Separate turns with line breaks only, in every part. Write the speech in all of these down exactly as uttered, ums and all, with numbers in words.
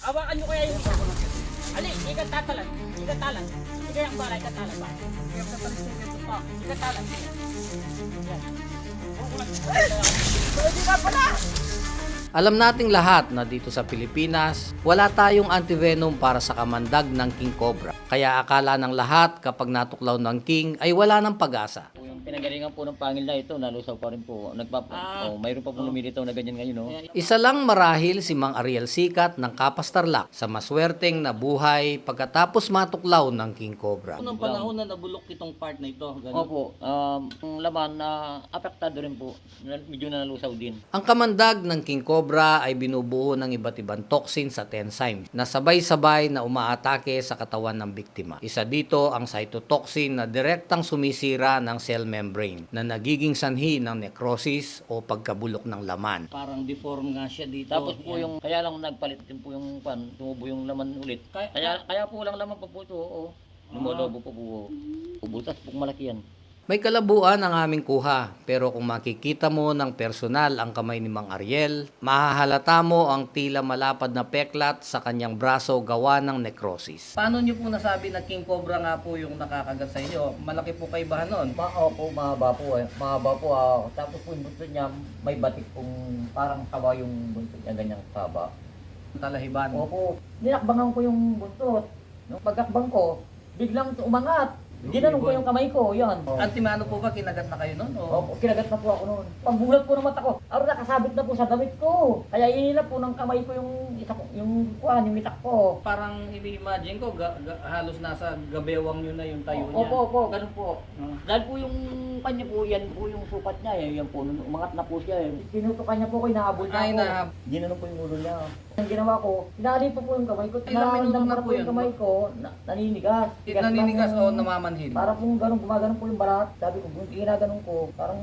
Awakan nyo kaya yung isa. Ali, ikat tatalan. Ikat talan. Ikat yung balay, ikat talan ba? Ikat tatalan siya, ikat pa. Ikat talan. Yan. Pwede ka pala!
Alam nating lahat na dito sa Pilipinas, wala tayong antivenom para sa kamandag ng king cobra. Kaya akala ng lahat kapag natuklaw ng king ay wala ng pag-asa.
Yung pinagalingan po ng pangil na ito, nalusaw pa rin po. Nagpap
Ah.
oh, mayroon pa po lumilitaw na ganyan ngayon, no?
Isa lang marahil si Mang Ariel Sikat ng Kapas Tarlac sa maswerteng nabuhay pagkatapos matuklaw ng king cobra.
Unang panahon na nabulok itong part na ito. Ganun.
Opo, um, ang laman na apektado rin po. Na- Medyo na nalusaw din.
Ang kamandag ng king cobra ay binubuo ng iba't ibang toxins at enzymes na sabay-sabay na umaatake sa katawan ng biktima. Isa dito ang cytotoxin na direktang sumisira ng cell membrane na nagiging sanhi ng necrosis o pagkabulok ng laman.
Parang deform nga siya dito.
Tapos po
Yan.
yung, kaya lang nagpalit din po yung pan, tumubo yung laman ulit.
Kaya-
Kaya, kaya po lang laman pa po ito, oo. Lumolobo po po. Ubutas po malaki yan.
May kalabuan ang aming kuha, pero kung makikita mo ng personal ang kamay ni Mang Ariel, mahahalata mo ang tila malapad na peklat sa kanyang braso gawa ng necrosis.
Paano nyo po nasabi na king cobra nga po yung nakakagat sa inyo? Malaki po kaibahan nun.
Ma po, mahaba po eh. Mahaba po. ah. Tapos po yung buntot niya, may batik pong parang kawa yung buntot niya, ganyang kaba.
Talahiban.
Opo, ninakbangan ko yung buntot. Nung pagkakbang ko, biglang umangat. Ginanong ko yung kamay ko, yan.
Antimano po ba kinagat na kayo nun? O?
Opo, kinagat na po ako noon. Pambulat po ng mata ko. Aro nakasabit na po sa damit ko. Kaya inilap po ng kamay ko yung isa ko, yung kuan, yung itak ko.
Parang ini-imagine ko, ga, ga- halos nasa gabewang nyo na yung tayo niya.
Opo, opo, ganun po.
Ah.
Dahil po yung kanya po, yan po yung sukat niya, eh. Yan po, nung umangat na po siya. Eh. Tinutukan niya po ko, inahabol niya
Ay,
ako.
nahab-
Ginanong po yung ulo niya. Ang ginawa ko, inali po po yung kamay ko.
Ilang minuto na
Nararamdaman
po
po yung
yun?
kamay ko, na, naninigas. Tigas lang
Naninigas
yung-
o namamanhid?
Para pong ganun, gumaganon po yung balat. Sabi ko, kung ginaganon ko, parang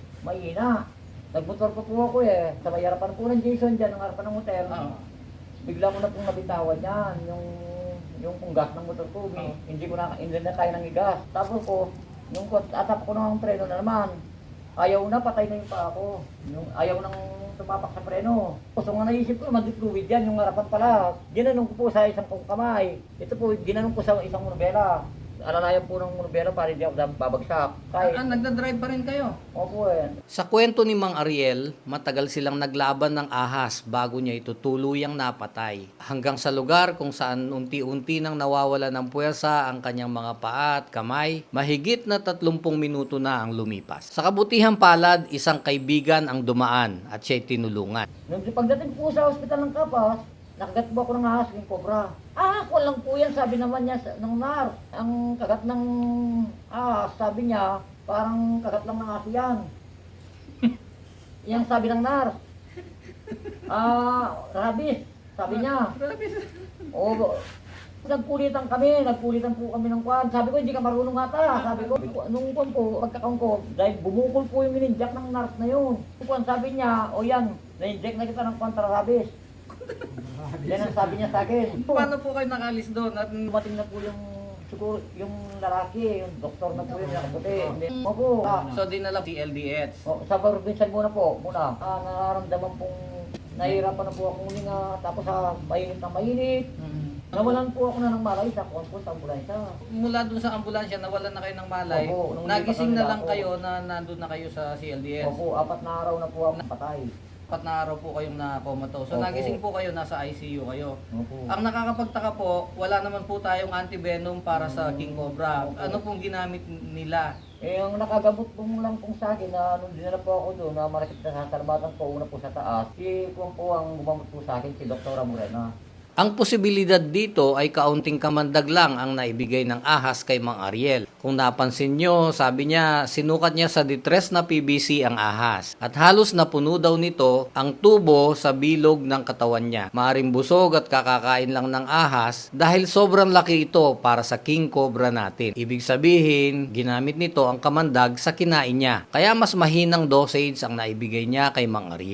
mahina. Nagmotor pa po ako eh. Sa may harapan po ng Jason dyan, ang harapan ng hotel.
Oo.
Bigla ko na pong nabitawan yan. Yung, yung pong gas ng motor ko.
Oo.
Hindi ko na, hindi na tayo ng gas. Tapos ko, yung atap ko ng preno na naman. Ayaw na, patay na yung pa ako. Yung ayaw nang tumapak sa preno. So nga naisip ko, mag-fluid yan, yung harapan pala. Ginanong ko po sa isang kong kamay. Ito po, ginanong ko sa isang monobela. Alalayan po ng monobela para hindi ako babagsak. Kahit,
Ah, nagdadrive pa rin kayo?
opo eh.
Sa kwento ni Mang Ariel, matagal silang naglaban ng ahas bago niya ito tuluyang napatay. Hanggang sa lugar kung saan unti-unti nang nawawala ng puwersa ang kanyang mga paa at kamay, mahigit na tatlumpung minuto na ang lumipas. Sa kabutihang palad, isang kaibigan ang dumaan at siya'y tinulungan.
Nung pagdating po sa ospital ng Kapas, nakagat po ako ng ahas, yung cobra. Ah, ako lang po yan, sabi naman niya sa, ng nar. Ang kagat ng ahas, sabi niya, parang kagat lang ng aso yan. Yan sabi ng nar. Ah, rabies, sabi niya. Oo, nagpulitan kami, nagpulitan po kami ng kwan. Sabi ko, hindi ka marunong ata. Sabi ko, nung kwan po, pagkakaon ko, dahil bumukol po yung minijak ng nurse na yun. Kwan, sabi niya, o yan, na-inject na kita ng kontra-rabies. Yan ang sabi niya sa akin.
Paano po kayo nakalis doon? At
Dumating na po yung siguro yung lalaki, yung doktor na po yung nakaputi. Opo. Ah,
so dinala T L D S.
oh, sa probinsya muna po, muna. Ah, nararamdaman pong nahihirapan na po ako huminga. Tapos sa mainit na mainit. Nawalan po ako na ng malay sa konpon sa ambulansya.
Mula doon sa ambulansya, nawalan na kayo ng malay.
Opo, nung
Nagising
lipat
na lang
ako.
kayo na nandun na kayo sa C L D S.
Opo, apat na araw na po ako patay.
Apat na araw po kayong na-comatose. So
Opo.
nagising po kayo, nasa I C U kayo.
Opo.
Ang nakakapagtaka po, wala naman po tayong antivenom para sa King Cobra.
Opo.
Ano pong ginamit nila?
Eh, ang nakagamot po lang po sa akin na nung dinala po ako doon na marakit na sa salamatan ko una po sa taas, si Kung po ang gumamot po sa akin, si Doktora Morena.
Ang posibilidad dito ay kaunting kamandag lang ang naibigay ng ahas kay Mang Ariel. Kung napansin nyo, sabi niya, sinukat niya sa distress na P V C ang ahas. At halos napuno daw nito ang tubo sa bilog ng katawan niya. Maaring busog at kakakain lang ng ahas dahil sobrang laki ito para sa king cobra natin. Ibig sabihin, ginamit nito ang kamandag sa kinain niya. Kaya mas mahinang dosage ang naibigay niya kay Mang Ariel.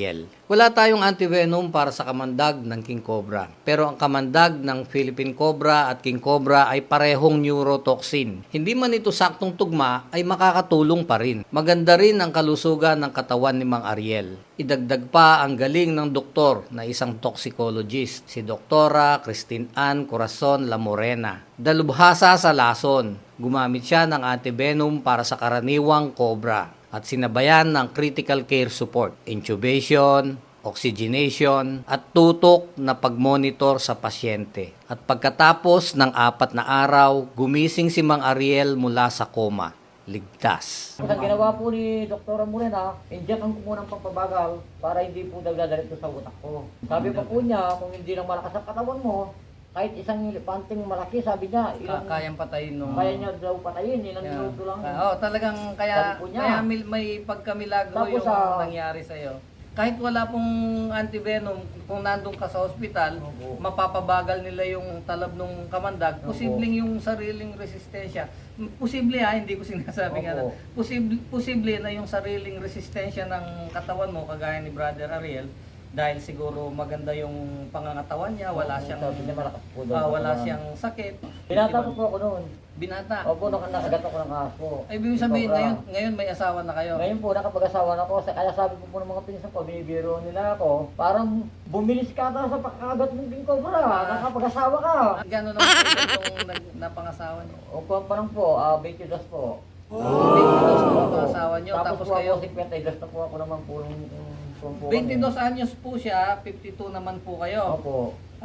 Wala tayong antivenom para sa kamandag ng king cobra. Pero ang kamandag ng Philippine cobra at king cobra ay parehong neurotoxin. Hindi man ito saktong tugma ay makakatulong pa rin. Maganda rin ang kalusugan ng katawan ni Mang Ariel. Idagdag pa ang galing ng doktor na isang toxicologist, si Doktora Christine Ann Corazon La Morena. Dalubhasa sa lason. Gumamit siya ng antivenom para sa karaniwang cobra at sinabayan ng critical care support, intubation, oxygenation, at tutok na pagmonitor sa pasyente. At pagkatapos ng apat na araw, gumising si Mang Ariel mula sa koma. Ligtas.
Ang ginawa po ni Doktora Morena, injectan ko muna ng pampabagal para hindi po dagdagan sa utak ko. Sabi pa po niya, kung hindi lang malakas ang katawan mo, kahit isang panting malaki, sabi niya, ilang,
Ka- kayang patayin nung...
kaya niya daw patayin, ilang
Yeah.
minuto lang.
Ah, oh, talagang kaya,
Sabi po niya.
kaya mil- may pagkamilagro
Tapos,
yung
ah,
nangyari sa'yo. Kahit wala pong antivenom, kung nandun ka sa ospital,
Opo.
mapapabagal nila yung talab ng kamandag,
Opo.
posibleng yung sariling resistensya. Posible ha, hindi ko sinasabing
Opo.
ano. Posible, posible na yung sariling resistensya ng katawan mo, kagaya ni Brother Ariel, dahil siguro maganda yung pangangatawan niya, wala
Opo,
siyang
sabi niya malakas po daw
ah,
ang
wala
katawan.
siyang sakit.
Binata
Di
ko
ba?
po ako noon.
Binata.
Opo, nak nakagat ako ng aso.
Ay, ibig sabihin,
Sobra.
ngayon, ngayon may asawa na kayo.
Ngayon po, nakapag-asawa na ako. Kaya sabi po po ng mga pinsan ko, binibiro nila ako. Parang bumilis ka ata sa pagkakagat ng king cobra. Nakapag-asawa ka.
Gano'n naman kayo itong nag- napangasawa niyo?
Opo, parang po, ah, twenty-two po.
twenty-two na
Opo.
ang asawa niyo, tapos
po
kayo,
ako, fifty-two na po ako naman po. yung- yung po kami.
twenty-two anyos po siya, fifty-two naman po kayo.
Opo.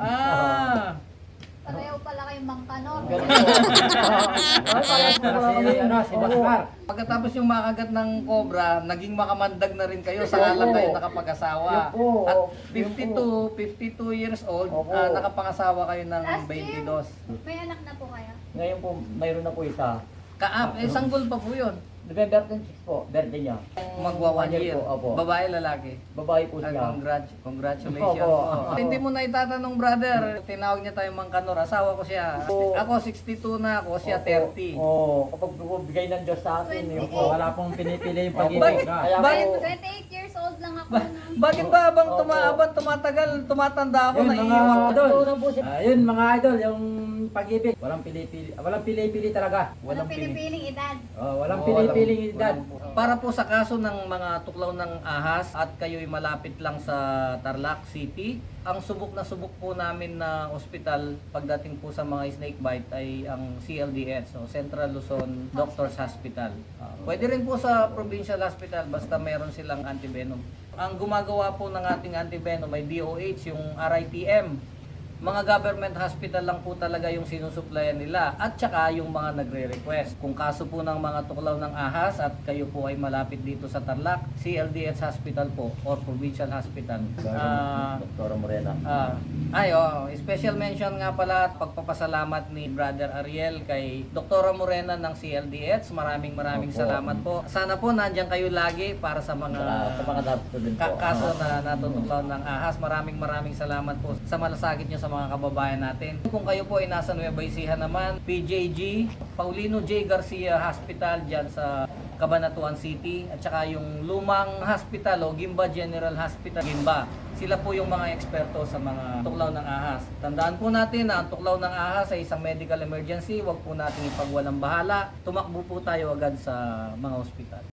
Ah,
Pareho pala kayong mangkanor.
Ganun po. Ay, parehas po pala kami.
ano, si
Opo.
Basmar.
pagkatapos yung makagat ng cobra, naging makamandag na rin kayo, saka lang kayo nakapag-asawa.
Yun po.
At
Yun
fifty-two, fifty-two years old,
Opo.
ah, nakapangasawa kayo ng
Last year.
twenty-two.
May anak na po kayo.
Ngayon po, mayroon na po isa.
Kaap, eh, sanggol pa po yun.
November twenty-six po, birthday niya.
Magwa one
One year
year.
po, opo.
Babae, lalaki.
Babae po
Ah,
siya.
congrat- congratulations
Opo.
po.
Opo.
Hindi mo na itatanong, brother. Tinawag niya tayong Mangkanor. Asawa ko siya.
Opo.
Ako sixty-two na ako, siya
Opo.
thirty.
Oo, kapag bigay ng Diyos sa atin. yun
twenty-eight.
po.
Wala pong pinipili yung
Opo.
pag-ibig. ah.
Kaya
Bakit?
po,
twenty-eight years old lang ako.
Ba-
nun.
bakit ba habang
Opo.
tumaabang, tumatagal, tumatanda ako,
Yun, mga
naiiwan ko?
idol.
Tulong po si-
Ah, yun mga idol, yung pag-ibig. Walang pili-pili, walang pili-pili talaga.
Walang
pili.
pinipiling edad.
Oh, walang
Oo,
pili-piling edad.
Para po sa kaso ng mga tuklaw ng ahas at kayo'y malapit lang sa Tarlac City, ang subok na subok po namin na ospital pagdating po sa mga snake bite ay ang C L D S, so Central Luzon Doctors Hospital. Ah, pwede rin po sa Provincial Hospital basta meron silang antivenom. Ang gumagawa po ng ating antivenom ay D O H, yung R I T M. Mga government hospital lang po talaga yung sinusuplayan nila at saka yung mga nagre-request. Kung kaso po ng mga tuklaw ng ahas at kayo po ay malapit dito sa Tarlac, C L D S Hospital po or Provincial Hospital. Ah,
Doktora Morena.
Ah, ay, oh, special mention nga pala at pagpapasalamat ni Brother Ariel kay Doktora Morena ng C L D S. Maraming maraming
Opo.
salamat po. Sana po nandiyan kayo lagi para sa mga
Sa, sa mga dapat din po.
ka- kaso na natutuklaw ng ahas. Maraming maraming salamat po sa malasakit nyo sa mga kababayan natin. Kung kayo po ay nasa Nueva Ecija naman, P J G, Paulino J. Garcia Hospital dyan sa Cabanatuan City at saka yung lumang hospital o Gimba General Hospital, Gimba. Sila po yung mga eksperto sa mga tuklaw ng ahas. Tandaan po natin na ang tuklaw ng ahas ay isang medical emergency. Huwag po natin ipagwalang bahala. Tumakbo po tayo agad sa mga ospital.